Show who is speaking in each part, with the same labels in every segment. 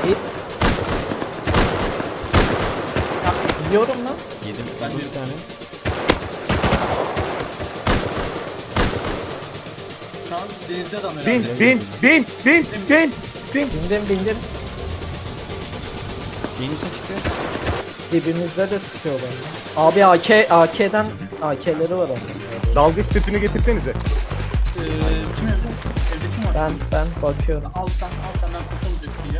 Speaker 1: Hit. Yiyorum lan.
Speaker 2: Yedim.
Speaker 3: Ben de
Speaker 2: Bir tane.
Speaker 3: Şu an denizde adam herhalde.
Speaker 4: Bin.
Speaker 1: Bindim.
Speaker 2: Yenisi çıktı.
Speaker 1: Dibimizde de sıkıyorlar. Abi AK'leri var onun.
Speaker 4: Dalgıç setini getirsenize.
Speaker 3: Kim evde? Evde kim var?
Speaker 1: Ben bakıyorum.
Speaker 3: Al sen ben koşalım döküyor.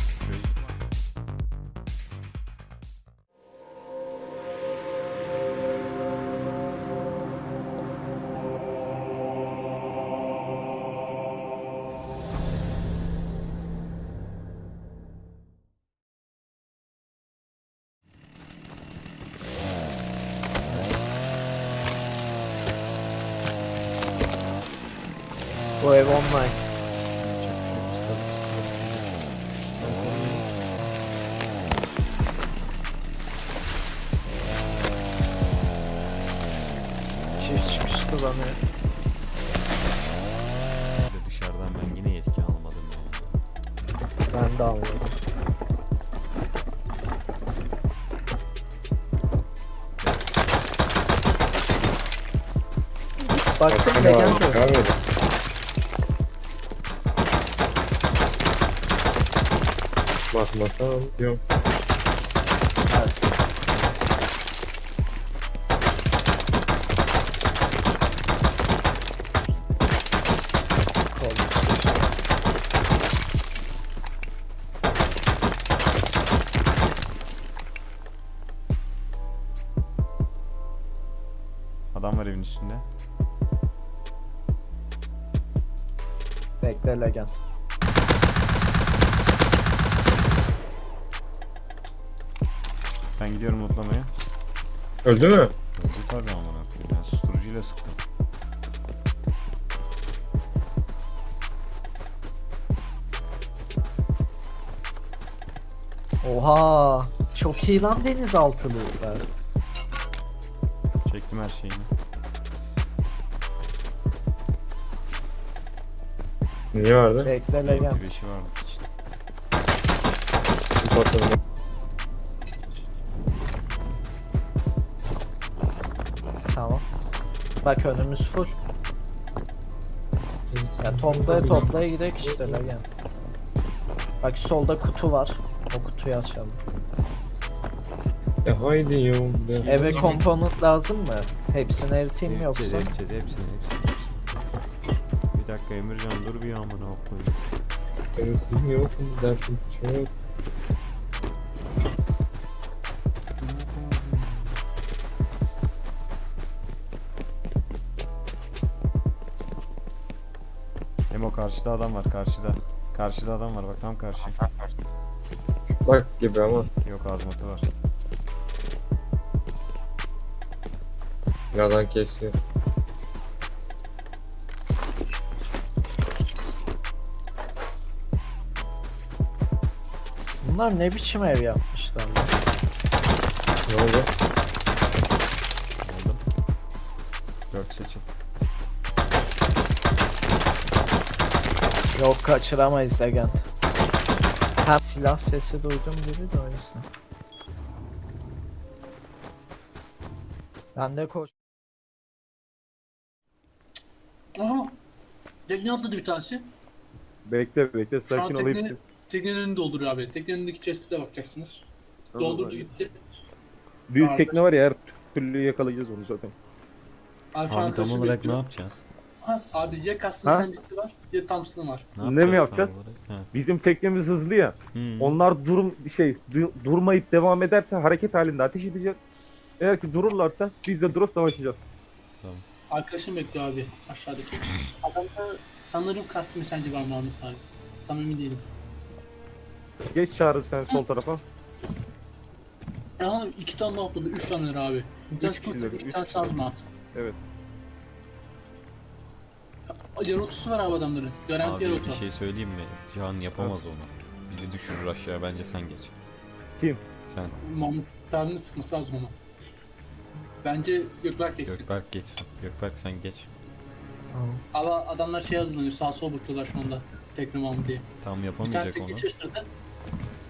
Speaker 1: Bu ev online. Çift çıkış kullanıyor.
Speaker 2: Dışarıdan ben yine yetki almadım ya.
Speaker 1: Ben de almadım. Baktım
Speaker 4: Ne
Speaker 1: Legend
Speaker 4: var?
Speaker 1: yok.
Speaker 4: Abi. Bakmasam yok.
Speaker 2: Adam var evin üstünde.
Speaker 1: Bekle Legend.
Speaker 2: Ben gidiyorum mutlamaya.
Speaker 4: Öldü mü?
Speaker 2: Öldü tabii amına koyayım. Ben susturucuyla sıktım.
Speaker 1: Oha! Çok iyi lan denizaltılılar.
Speaker 2: Çektim her şeyini.
Speaker 4: Niye vardı?
Speaker 1: Bekle Legend.
Speaker 2: Bir beşi vardı işte.
Speaker 4: Patladı.
Speaker 1: Tamam. Bak önümüz full. Ya toplaya gidelim işte Legend. Bak solda kutu var. O kutuyu açalım.
Speaker 4: Haydi yo.
Speaker 1: Eve komponent lazım mı? Hepsini eriteyim mi yoksa?
Speaker 2: Hepsini. Bir dakika Emircan dur bir amına koyayım.
Speaker 4: Benim yok. Dersim çok.
Speaker 2: Emo karşıda adam var karşıda. Karşıda adam var bak tam karşı.
Speaker 4: Bak gibi ama.
Speaker 2: Yok azmatı var.
Speaker 4: Yalan kesiyor.
Speaker 1: Bunlar ne biçim ev yapmışlar lan?
Speaker 4: Ne oldu?
Speaker 2: Aldım. 4 seçim.
Speaker 1: Yok kaçıramayız Legend. Ha silah sesi duydum gibi de o yüzden. Ben de koş.
Speaker 3: Aha. Tekne atladı bir tanesi.
Speaker 4: Bekle
Speaker 3: Şu an
Speaker 4: sakin ol hepsi.
Speaker 3: teknenin önünü dolduruyor abi. Teknenin önündeki chest'e bakacaksınız. Doldurdu gitti.
Speaker 4: Büyük
Speaker 3: Kardeş.
Speaker 4: tekne var ya her türlü yakalayacağız onu zaten.
Speaker 3: Abi şu an
Speaker 2: Abi tam
Speaker 3: arkadaşım
Speaker 2: olarak
Speaker 3: bekliyor.
Speaker 2: ne yapacağız?
Speaker 3: Ha, abi ya Custom
Speaker 4: Ha?
Speaker 3: Sandwich'si var ya Thompson'ı var.
Speaker 4: Ne mi yapacağız?
Speaker 2: tam olarak? Ha.
Speaker 4: Bizim teknemiz hızlı ya. Onlar durmayıp devam ederse hareket halinde ateş edeceğiz. Eğer ki dururlarsa biz de durup savaşacağız.
Speaker 3: Arkadaşım bekliyor abi aşağıdaki. Adamda sanırım Custom Sandwich var Mahmut abi. Tam emin değilim.
Speaker 4: Geç Çağrı sen sol tarafa.
Speaker 3: Aha 2 tane daha atladı, 3 tane abi. Bir tane
Speaker 4: kişiler,
Speaker 3: kurt, 2
Speaker 4: üç
Speaker 3: tane
Speaker 4: kişiler.
Speaker 3: sarma at.
Speaker 4: Evet.
Speaker 3: Yer otusu var abi adamların. Garanti yer
Speaker 2: Abi
Speaker 3: otu.
Speaker 2: bir şey söyleyeyim mi? Cihan yapamaz onu. Bizi düşürür aşağı bence sen geç.
Speaker 4: Kim?
Speaker 2: Sen.
Speaker 3: Mahmut abinin sıkması lazım onu. Bence Gökberk geçsin.
Speaker 2: Gökberk geçsin. Gökberk sen geç.
Speaker 3: Ama adamlar şey hazırlanıyor, sağ sol bakıyorlar şu anda. Tekne Mahmut diye.
Speaker 2: Tam
Speaker 3: Bir tanesi
Speaker 2: yapamayacak
Speaker 3: tekne
Speaker 2: onu.
Speaker 3: çalıştırdı.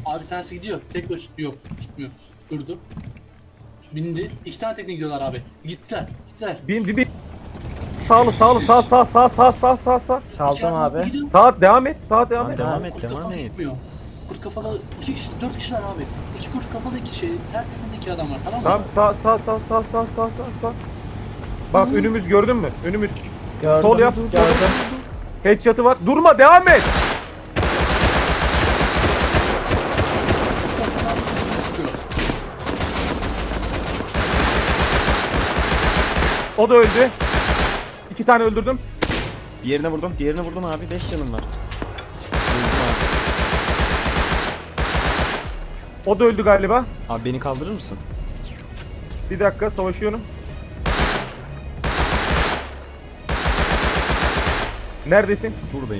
Speaker 3: Abi bir tanesi gidiyor. Tek baş yok gitmiyor. Durdu. Bindi. 2 tane tekne gidiyorlar abi. Gittiler. Gittiler.
Speaker 4: Bin. Sağlı sağ.
Speaker 3: İki
Speaker 1: Saldım
Speaker 3: adam
Speaker 1: abi.
Speaker 3: gidiyor.
Speaker 4: Saat devam et. Saat devam
Speaker 2: Lan
Speaker 4: et.
Speaker 2: devam et
Speaker 3: Kurt
Speaker 2: devam
Speaker 3: kafalı
Speaker 2: et.
Speaker 3: gitmiyor. Kurt kafalı 2 kişi, 4 kişiler abi. 2 kurt kafalı 2 şey. Her teknede 2 adam var tamam mı?
Speaker 4: Tamam sağ. Bak önümüz gördün mü? Önümüz.
Speaker 1: Gördüm.
Speaker 4: Sol yap.
Speaker 1: Gördüm.
Speaker 4: Headshot'ı var. Durma devam et.
Speaker 3: Kurt kafalı bizi sıkıyor.
Speaker 4: O da öldü. 2 tane öldürdüm.
Speaker 2: Diğerine vurdum abi. 5 canım var. Öldüm abi.
Speaker 4: O da öldü galiba.
Speaker 2: Abi beni kaldırır mısın?
Speaker 4: Bir dakika savaşıyorum. Neredesin?
Speaker 2: Buradayım.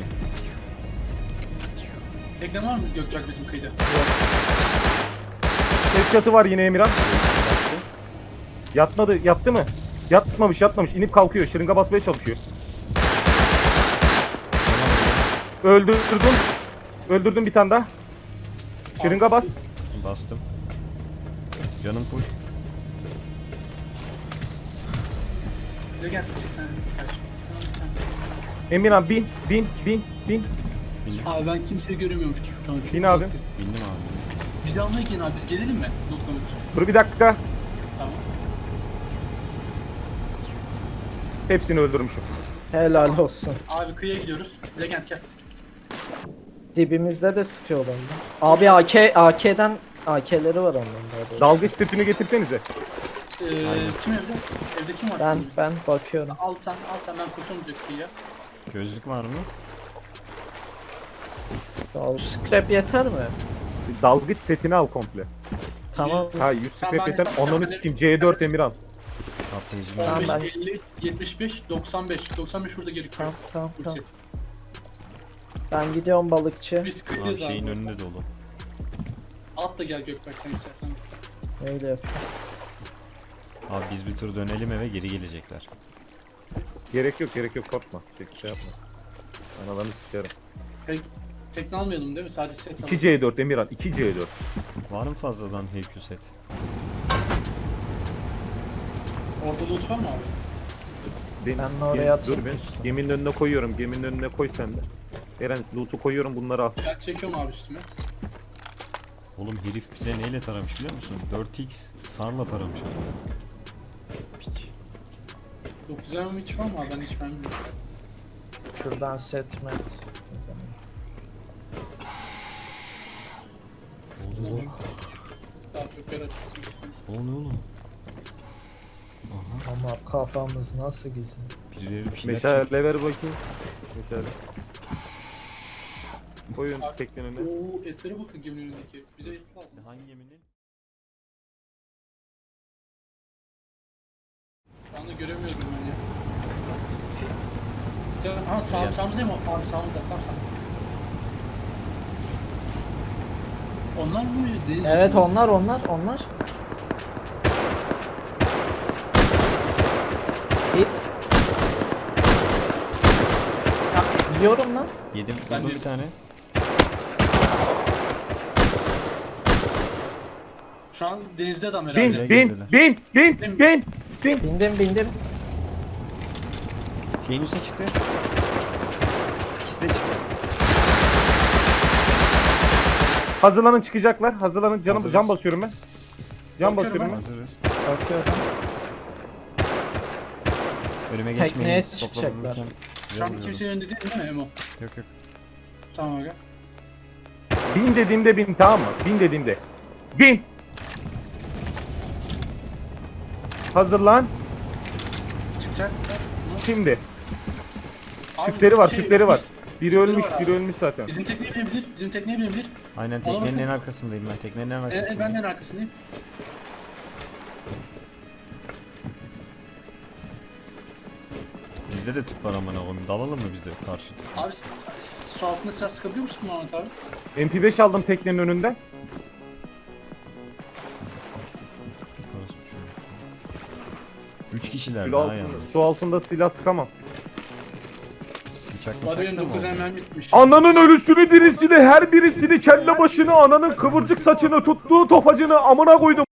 Speaker 3: Tekne var mı Gökçak bizim kıyıda?
Speaker 4: Headshot'ı var yine Emirhan. Yatmadı. Yattı mı? Yatmamış. İnip kalkıyor. Şırınga basmaya çalışıyor. Öldürdüm bir tane daha. Şırınga bas.
Speaker 2: Bastım. Canım full.
Speaker 3: Bize gel sen.
Speaker 4: Emirhan bin.
Speaker 2: Bindim.
Speaker 3: Abi ben kimseyi göremiyorum şu an.
Speaker 4: Bin abi.
Speaker 2: Bindim abi.
Speaker 3: Bizi almaya gelin abi biz gelelim mi? Lootlamak için.
Speaker 4: Dur bir dakika.
Speaker 3: Tamam.
Speaker 4: Hepsini öldürmüşüm.
Speaker 1: Helal olsun.
Speaker 3: Abi kıyıya gidiyoruz. Legend gel.
Speaker 1: Dibimizde de sıkıyorlar lan. Abi AK'den AK'leri var onların da.
Speaker 4: Dalgıç setini getirsenize.
Speaker 3: Kim evde? Evde kim var?
Speaker 1: Ben bakıyorum.
Speaker 3: Al sen ben koşuyorum direkt kıyıya.
Speaker 2: Gözlük var mı?
Speaker 1: Ya, scrap yeter mi?
Speaker 4: Dalgıç setini al komple.
Speaker 1: Tamam.
Speaker 4: Ha 100
Speaker 3: Tamam,
Speaker 4: scrap
Speaker 3: ben
Speaker 4: yeter.
Speaker 3: hesap
Speaker 4: Onları
Speaker 3: yapayım.
Speaker 4: sikeyim. C4 Emirhan.
Speaker 2: Tatlı izin
Speaker 1: Tamam,
Speaker 3: 15,
Speaker 1: ben-
Speaker 3: 50, 75, 95. 95 burada gerekiyor.
Speaker 1: Tamam.
Speaker 3: Bu set.
Speaker 1: Ben gidiyorum balıkçı.
Speaker 3: Biz
Speaker 2: Abi
Speaker 3: kıyıdayız abi.
Speaker 2: şeyin önünde dolu.
Speaker 3: At da gel Gökberk sen istersen.
Speaker 1: Öyle yapıyorum.
Speaker 2: Abi biz bir tur dönelim eve geri gelecekler.
Speaker 4: Gerek yok korkma. Şey yapma. Analarını sikerim.
Speaker 3: Tekne almayalım değil mi? Sadece set
Speaker 4: 2
Speaker 3: alalım.
Speaker 4: C4 Emirhan. 2 C4.
Speaker 2: Var mı fazladan HQ set?
Speaker 3: Orada loot var mı abi?
Speaker 1: Ben de oraya
Speaker 4: Dur
Speaker 1: atayım.
Speaker 4: ben. Geminin önüne koyuyorum. Geminin önüne koy sen de. Eren loot'u koyuyorum bunları al.
Speaker 3: Ya çekiyorum abi üstüme.
Speaker 2: Oğlum herif bize neyle taramış biliyor musun? 4x sarla taramış. Piç.
Speaker 3: 9 hiç var mı abi? Ben hiç bilmiyorum.
Speaker 1: Şuradan set mi?
Speaker 2: Oğlum
Speaker 3: Daha çok yer açıyorsun.
Speaker 2: o ne oğlum? Aha
Speaker 1: Ama kafamız nasıl güzel.
Speaker 2: birileri bir şeyler
Speaker 4: Meşale ver bakayım. Meşale. Koyun
Speaker 3: Abi,
Speaker 4: teknenin önüne.
Speaker 3: Oo etlere bakın geminin önündeki. Bize et lazım.
Speaker 2: Hangi geminin?
Speaker 3: Şu anda göremiyorum ben ya. Aha sağımızda mı? Abi sağımızda. Tam sağ. Onlar mı? Deniz
Speaker 1: Evet
Speaker 3: mi?
Speaker 1: onlar. Git. Ya, yiyorum lan.
Speaker 2: Yedim.
Speaker 3: Ben
Speaker 2: Vurdum
Speaker 3: de-
Speaker 2: bir tane.
Speaker 3: Şu an denizde adam herhalde.
Speaker 4: Bin.
Speaker 1: Bindim.
Speaker 2: Şeyin üstüne çıktı. İkisi de çıktı.
Speaker 4: Hazırlanın çıkacaklar. Hazırlanın.
Speaker 2: Hazırız.
Speaker 4: Can basıyorum ben. Can
Speaker 3: Bakıyorum
Speaker 4: basıyorum ben.
Speaker 2: Hazırız.
Speaker 1: Bakıyorum.
Speaker 2: Önüme
Speaker 1: Tekneye
Speaker 2: geçmeyin.
Speaker 1: çıkacaklar.
Speaker 2: Toplanırken
Speaker 3: Şu an
Speaker 2: görmüyorum.
Speaker 3: kimsenin önünde değil mi Emo?
Speaker 2: Yok.
Speaker 3: Tamam aga.
Speaker 4: Bin dediğimde bin tamam mı? Bin dediğimde. Bin. Hazırlan.
Speaker 3: Çıkacak.
Speaker 4: Şimdi.
Speaker 3: Abi,
Speaker 4: Tüpleri var,
Speaker 3: şey,
Speaker 4: tüpleri var. Biri
Speaker 3: tüpleri
Speaker 4: ölmüş,
Speaker 3: var abi.
Speaker 4: biri ölmüş zaten.
Speaker 3: Bizim tekneye binebilir. Bizim tekneye binebilir.
Speaker 2: Aynen
Speaker 3: Ona
Speaker 2: teknenin
Speaker 3: bakın.
Speaker 2: en arkasındayım ben. Teknenin en arkasındayım.
Speaker 3: Ben de en arkasındayım.
Speaker 2: Bizde de tüp var amına koyayım. Dalalım mı biz de karşı?
Speaker 3: Abi su altında silah sıkabiliyor musun Muhammed abi?
Speaker 4: MP5 aldım teknenin önünden.
Speaker 2: Orası bir şey yok. 3 kişiler
Speaker 4: Su,
Speaker 2: daha
Speaker 4: altında,
Speaker 2: yalnız.
Speaker 4: su altında silah sıkamam.
Speaker 2: 3 Bıçak
Speaker 3: Var benim
Speaker 2: bıçak da mı
Speaker 3: 9
Speaker 2: oldu?
Speaker 3: hemen bitmiş.
Speaker 4: Ananın ölüsünü dirisini her birisini kelle başını ananın kıvırcık saçını tuttuğu tofacını amına koydum.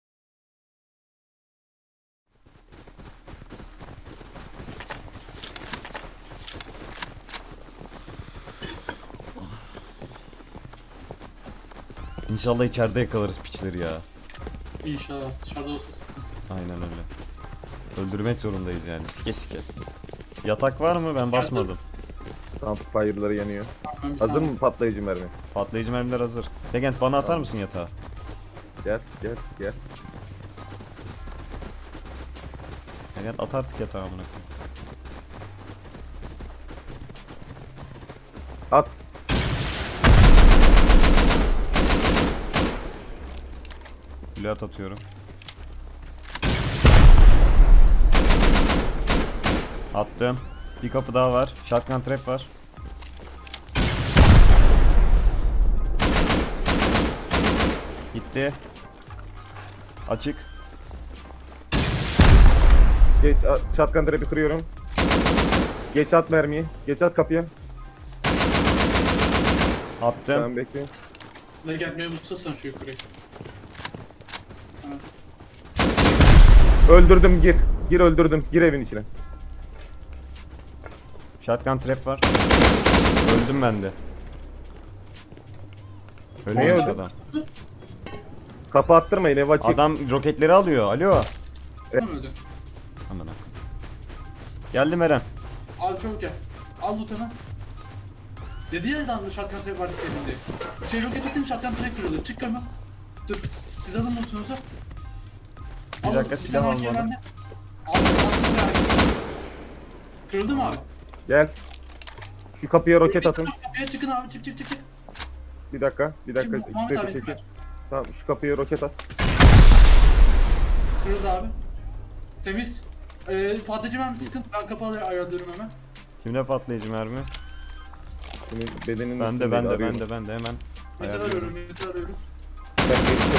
Speaker 2: İnşallah içeride yakalarız piçleri ya.
Speaker 3: İnşallah dışarıda olsa sıkıntı.
Speaker 2: Aynen öyle. Öldürmek zorundayız yani sike sike. Yatak var mı? Ben basmadım.
Speaker 4: Campfire'ları yanıyor.
Speaker 3: Ben bir
Speaker 4: Hazır
Speaker 3: tane-
Speaker 4: mı patlayıcı mermi?
Speaker 2: Patlayıcı mermiler hazır. Legend bana atar mısın yatağı?
Speaker 4: Gel gel gel.
Speaker 2: Legend at artık yatağı amına koyayım.
Speaker 4: At.
Speaker 2: Blöat atıyorum. Attım. Bir kapı daha var. Shotgun trap var. Gitti. Açık.
Speaker 4: Geç shotgun trap'i kırıyorum. Geç at mermiyi. Geç at kapıya.
Speaker 2: Attım.
Speaker 4: Tamam bekle.
Speaker 3: Ne gelmeye mutsuzsan şu yukarıya. Tamam.
Speaker 4: Öldürdüm gir. Gir öldürdüm. Gir evin içine.
Speaker 2: Shotgun trap var. Öldüm ben de.
Speaker 4: Neye
Speaker 2: Ölmemiş
Speaker 4: öldün?
Speaker 2: adam.
Speaker 4: Kapı attırmayın ev açık.
Speaker 2: Adam roketleri alıyor. Alo.
Speaker 3: Tamam öldü.
Speaker 2: Aman akım. Geldim Eren.
Speaker 3: Al çabuk gel. Al loot hemen. Dedi ya adam shotgun trap vardı elinde. Şey roket atayım shotgun trap kırıldı. Çık hemen. Dur. Siz alın lootunuzu.
Speaker 2: Bir dakika,
Speaker 3: bir
Speaker 2: silah
Speaker 3: tane AK
Speaker 2: almadım.
Speaker 3: bende. Al. Kırıldı mı abi?
Speaker 4: Gel. Şu kapıya roket atın.
Speaker 3: Kapıya çıkın abi çık.
Speaker 4: Bir dakika. Bir dakika.
Speaker 3: Şimdi Muhammed
Speaker 4: Şu
Speaker 3: abi
Speaker 4: çekil.
Speaker 3: ver.
Speaker 4: Tamam şu kapıya roket at.
Speaker 3: Kırıldı abi. Temiz. Patlayıcı mermi sıkın. Ben kapı ayarlıyorum hemen.
Speaker 2: Kimde patlayıcı mermi?
Speaker 4: Senin bedenin
Speaker 2: Bende
Speaker 4: üstündeydi,
Speaker 2: bende
Speaker 4: arıyorum.
Speaker 2: bende hemen.
Speaker 3: Metal
Speaker 2: Ayarlıyorum.
Speaker 3: arıyorum. Metal arıyorum.
Speaker 4: Ben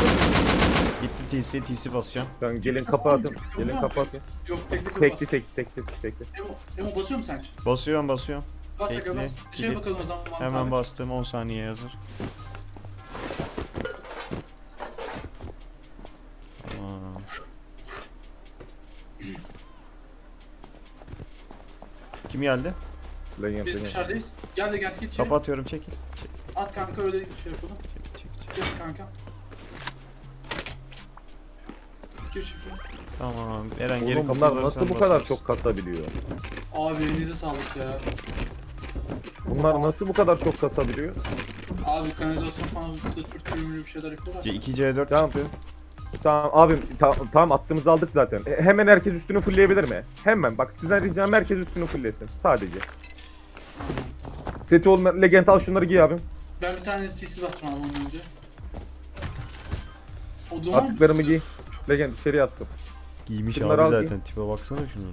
Speaker 2: Gitti TC basacağım.
Speaker 4: Tamam gelin kapı atın. Gelin kapı atın.
Speaker 3: Yok teknik yok.
Speaker 4: Tekli tekli.
Speaker 3: Emo basıyor musun sen?
Speaker 2: Basıyorum.
Speaker 3: Bas
Speaker 2: Tekli,
Speaker 3: aga bas. Bir şeye
Speaker 2: kilit.
Speaker 3: bakalım o zaman.
Speaker 2: Hemen
Speaker 3: abi.
Speaker 2: bastım. 10 saniye hazır. Tamam. Kim geldi?
Speaker 4: Legend
Speaker 3: Biz
Speaker 4: Legend.
Speaker 3: dışarıdayız. Gel de gel git içeri.
Speaker 2: Kapatıyorum çekil.
Speaker 3: At kanka öyle şey yapalım.
Speaker 2: Çekil.
Speaker 3: Gel kanka. Gir şimdi.
Speaker 2: Tamam. Eren geri
Speaker 4: Oğlum
Speaker 2: kapıları
Speaker 4: bunlar nasıl
Speaker 2: sen
Speaker 4: bu kadar
Speaker 2: basarsın.
Speaker 4: çok kasabiliyor?
Speaker 3: Abi elinize sağlık ya.
Speaker 4: Bunlar nasıl bu kadar çok kasabiliyor?
Speaker 3: Abi kanalizasyon falan sırt türlü bir şeyler yapıyorlar.
Speaker 2: 2 C4
Speaker 4: Tamam.
Speaker 2: çıktı.
Speaker 4: Tamam abim tamam attığımızı aldık zaten. Hemen herkes üstünü fullleyebilir mi? Hemen bak sizden ricam herkes üstünü fulllesin sadece. Seti olmayan Legend al şunları giy abim.
Speaker 3: Ben bir tane TC basmam ondan önce. O duman
Speaker 4: Attıklarımı giy. Legend içeriye attım.
Speaker 2: Giymiş
Speaker 4: Şunları
Speaker 2: abi
Speaker 4: al
Speaker 2: zaten. Tipe baksana şunun.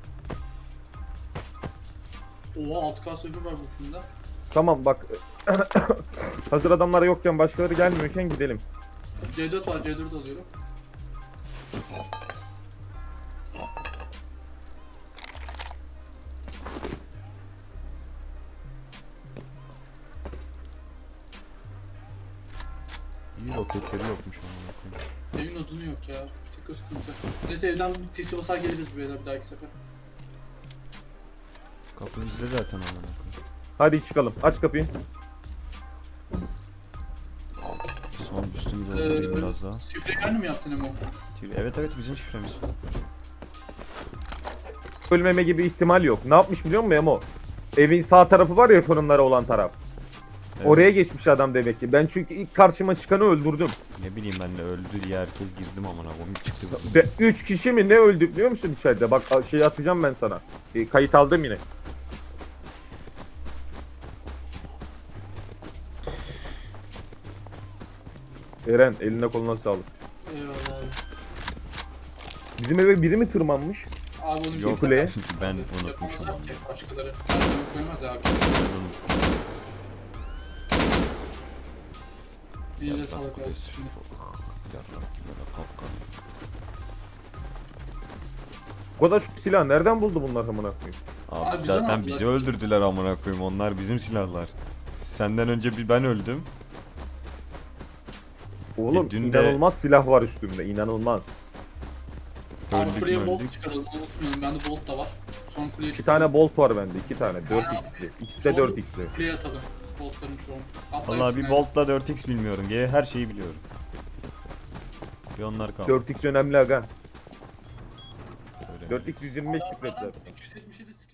Speaker 3: Oha 6K server var bu filmde.
Speaker 4: Tamam bak. Hazır adamlar yokken başkaları gelmiyorken gidelim.
Speaker 3: C4 var C4 alıyorum.
Speaker 2: İyi roketleri yokmuş amına koyayım.
Speaker 3: Evin odunu yok ya. Tek o sıkıntı. Neyse evden bir TC basar geliriz beyler bir dahaki sefer.
Speaker 2: Kapı bizde zaten amına koyayım.
Speaker 4: Hadi çıkalım. Aç kapıyı.
Speaker 2: Son üstümü doldurayım biraz daha.
Speaker 3: Şifreyi kendin mi yaptın Emo?
Speaker 2: Evet bizim şifremiz.
Speaker 4: Ölmeme gibi ihtimal yok. Ne yapmış biliyor musun Emo? Evin sağ tarafı var ya fırınları olan taraf.
Speaker 2: Evet.
Speaker 4: Oraya geçmiş adam demek ki. Ben çünkü ilk karşıma çıkanı öldürdüm.
Speaker 2: Ne bileyim ben de öldü diye herkes girdim amına koyayım çıktı.
Speaker 4: Ve 3 kişi mi ne öldü biliyor musun içeride? Bak şey atacağım ben sana. Kayıt aldım yine. Eren eline koluna sağlık.
Speaker 3: Eyvallah abi.
Speaker 4: Bizim eve biri mi tırmanmış?
Speaker 3: Abi onu
Speaker 2: Yok
Speaker 4: kuleye.
Speaker 2: ben
Speaker 3: Abi,
Speaker 2: unutmuşum
Speaker 3: yapamazlar
Speaker 2: onu.
Speaker 3: ki başkaları. Başkaları koymaz abi. Elinize sağlık abi. Şimdi.
Speaker 2: Yarrak gibi böyle kapkan.
Speaker 4: O kadar şu silah nereden buldu bunlar amına koyayım?
Speaker 2: Abi
Speaker 3: bizden
Speaker 2: zaten
Speaker 3: aldılar.
Speaker 2: bizi öldürdüler amına koyayım. Onlar bizim silahlar. Senden önce bir ben öldüm.
Speaker 4: Oğlum
Speaker 2: dün de-
Speaker 4: inanılmaz silah var üstümde, inanılmaz.
Speaker 3: Abi
Speaker 2: Öldük
Speaker 3: kuleye
Speaker 2: mü
Speaker 3: bolt
Speaker 2: öldük.
Speaker 3: çıkaralım unutmayalım. Bende bolt da var. Son kuleye
Speaker 4: 2 tane bolt var bende, 2 tane. 4x'li. İkisi de 4x'li.
Speaker 3: Kuleye atalım. Boltların çoğunu. Atla
Speaker 2: Vallahi bir
Speaker 3: hepsine.
Speaker 2: boltla 4x bilmiyorum. Geri her şeyi biliyorum. Bir onlar kaldı.
Speaker 4: 4x önemli aga.
Speaker 2: Öyle.
Speaker 4: 4x 125 şifret zaten.
Speaker 3: 277 skill